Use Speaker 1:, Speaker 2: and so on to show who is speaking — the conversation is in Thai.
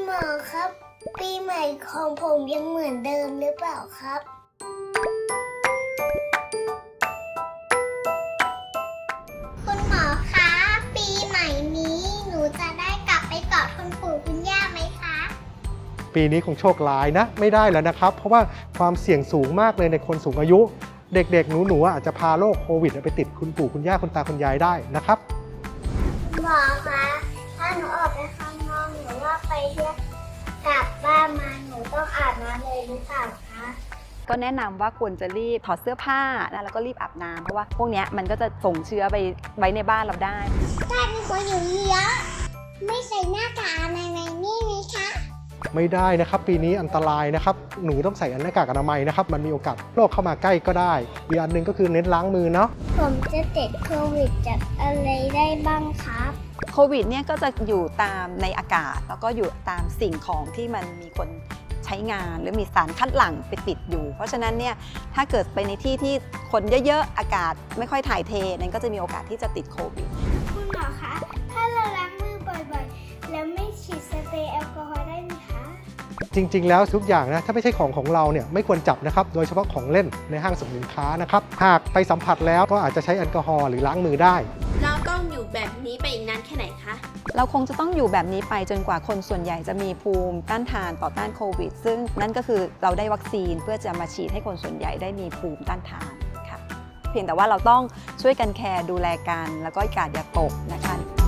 Speaker 1: มอครับ ปีใหม่ของผมยังเหมือนเดิมหรือเปล่าครับ คุณหมอคะปีใหม่นี้หนูจะได้กลับไปกอดคุณปู่คุณย่าไหมคะ
Speaker 2: ปีนี้คงโชคร้ายนะไม่ได้แล้วนะครับ เพราะว่าความเสี่ยงสูงมากเลยในคนสูงอายุ เด็กๆหนูๆอาจจะพาโรคโควิดไปติดคุณปู่คุณย่าคุณตาคุณยายได้นะครับ
Speaker 1: หมอคะถ้าหนูออกไปข้างนอกหรือว่าไปเที่ยวกลับบ้านมาหนูต้องอาบน้ำเลยหรือเปล่าคะ
Speaker 3: ก็แนะนำว่าควรจะรีบถอดเสื้อผ้านะแล้วก็รีบอาบน้ำเพราะว่าพวกเนี้ยมันก็จะส่งเชื้อไปไว้ในบ้านเราได้
Speaker 1: ถ้ามีคนอยู่เยอะไม่ใส่หน้ากากอนามัยนี่ไหมคะ
Speaker 2: ไม่ได้นะครับปีนี้อันตรายนะครับหนูต้องใส่หน้ากากอนามัยนะครับมันมีโอกาสโรคเข้ามาใกล้ก็ได้อีกอันหนึ่งก็คือเน้นล้างมือเนาะ
Speaker 1: ผมจะติดโควิดจากอะไรได้บ้างครับ
Speaker 3: โควิดเนี่ยก็จะอยู่ตามในอากาศแล้วก็อยู่ตามสิ่งของที่มันมีคนใช้งานหรือมีสารคัดหลั่งไปติดอยู่ เพราะฉะนั้นเนี่ยถ้าเกิดไปในที่ที่คนเยอะๆอากาศไม่ค่อยถ่ายเทนั้นก็จะมีโอกาสที่จะติดโควิด
Speaker 1: คุณหมอคะ ถ้าเราล้างมือบ่อยๆ แล้วไม่ฉีดสเปรย์แอลกอฮอล์ได้ไหมคะ
Speaker 2: จริงๆแล้วทุกอย่างนะถ้าไม่ใช่ของเราเนี่ยไม่ควรจับนะครับโดยเฉพาะของเล่นในห้างสรรพสินค้านะครับหากไปสัมผัสแล้วก็อาจจะใช้แอลกอฮอล์หรือล้างมือได้
Speaker 4: เราต้องอยู่แบบนี้ไปอีกนานแค่ไหนคะ
Speaker 3: เราคงจะต้องอยู่แบบนี้ไปจนกว่าคนส่วนใหญ่จะมีภูมิต้านทานต่อต้านโควิด ซึ่งนั่นก็คือเราได้วัคซีนเพื่อจะมาฉีดให้คนส่วนใหญ่ได้มีภูมิต้านทานค่ะเพียงแต่ว่าเราต้องช่วยกันแคร์ดูแลกันแล้วก็กาดอย่าตกนะคะ